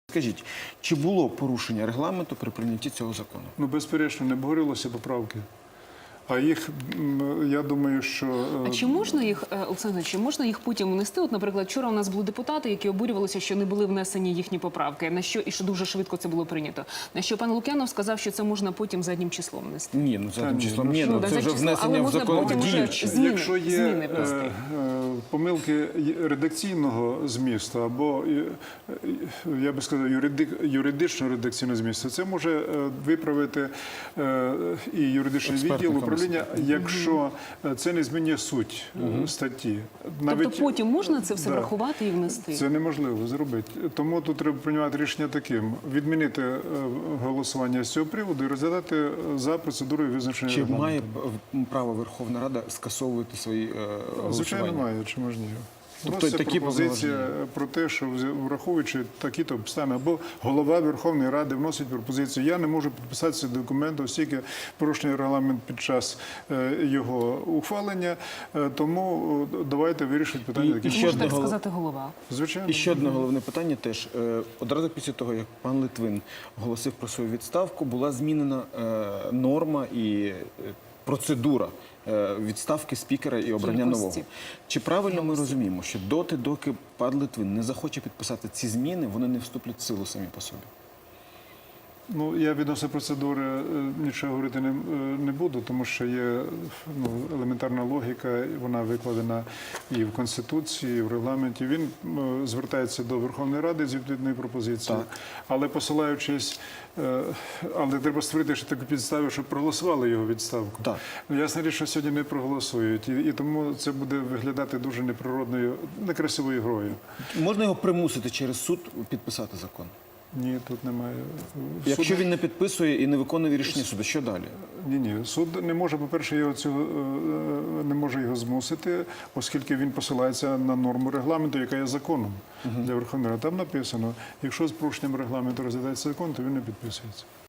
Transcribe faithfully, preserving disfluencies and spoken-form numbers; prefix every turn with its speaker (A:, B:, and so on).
A: Скажіть, чи було порушення регламенту при прийнятті цього закону?
B: Ну, безперечно, не обговорилися поправки. А їх, я думаю, що...
C: А чи можна їх, Олександр, чи можна їх потім внести? От, наприклад, вчора у нас були депутати, які обурювалися, що не були внесені їхні поправки, на що і що дуже швидко це було прийнято. На що пан Лук'янов сказав, що це можна потім заднім числом внести.
A: Ні, ну заднім
B: ні,
A: числом
B: ну,
A: ні,
B: що?
A: ну
C: Да,
A: це вже
C: за число, але
A: внесення в
C: можна
A: закон
C: потім вже
A: діючий.
C: зміни-
B: Якщо є
C: зміни
B: е,
C: внести.
B: е, помилки редакційного змісту або, е, е, я би сказав, юриди, юридичного редакційного змісту, це може е, виправити е, і юридичний
A: Експертна
B: відділ
A: комісія.
B: управління, якщо це не змінює суть е, статті.
C: Тобто потім можна це все
B: Да.
C: врахувати і внести?
B: Це неможливо зробити. Тому тут треба приймати рішення таким: відмінити е, голосування з цього приводу і розглядати за процедурою визначення
A: Чи
B: регламенту.
A: має п- право Верховна Рада скасовувати свої е, голосування?
B: Звичайно, має, чи можна його.
A: Тобто
B: Вноситься
A: такі
B: пропозиція
A: повноваження?
B: про те, що враховуючи такі-то обставини, або голова Верховної Ради вносить пропозицію. Я не можу підписати цей документ, оскільки порушений регламент під час е, його ухвалення, Е, тому е, давайте вирішити питання
A: І-
B: таким
A: і ще
C: Може
B: чином.
C: так
A: одного-
C: сказати голова.
B: Звичайно.
A: І ще одне головне питання теж. Е, Одразу після того, як пан Литвин оголосив про свою відставку, була змінена е, норма і е, процедура е, відставки спікера і обрання
C: Кількості.
A: нового. Чи правильно ми розуміємо, що доти, доки пан Литвин не захоче підписати ці зміни, вони не вступлять в силу самі по собі?
B: Ну, я відносно процедури е, нічого говорити не, е, не буду, тому що є ну, елементарна логіка, вона викладена і в Конституції, і в регламенті. Він е, звертається до Верховної Ради з відповідною пропозицією,
A: Так.
B: але посилаючись, е, але треба створити ще таку підставу, щоб проголосували його відставку.
A: Так.
B: Ну, ясна річ, що сьогодні не проголосують, і, і тому це буде виглядати дуже неприродною, некрасивою грою.
A: Можна його примусити через суд підписати закон?
B: Ні, тут немає.
A: Якщо
B: Суд-
A: він не підписує і не виконує рішення суду, що далі?
B: Ні, ні, суд не може, по-перше, його цього е, не може його змусити, оскільки він посилається на норму регламенту, яка є законом для Верховної Ради. Там написано, якщо з порушенням регламенту розглядається закон, то він не підписується.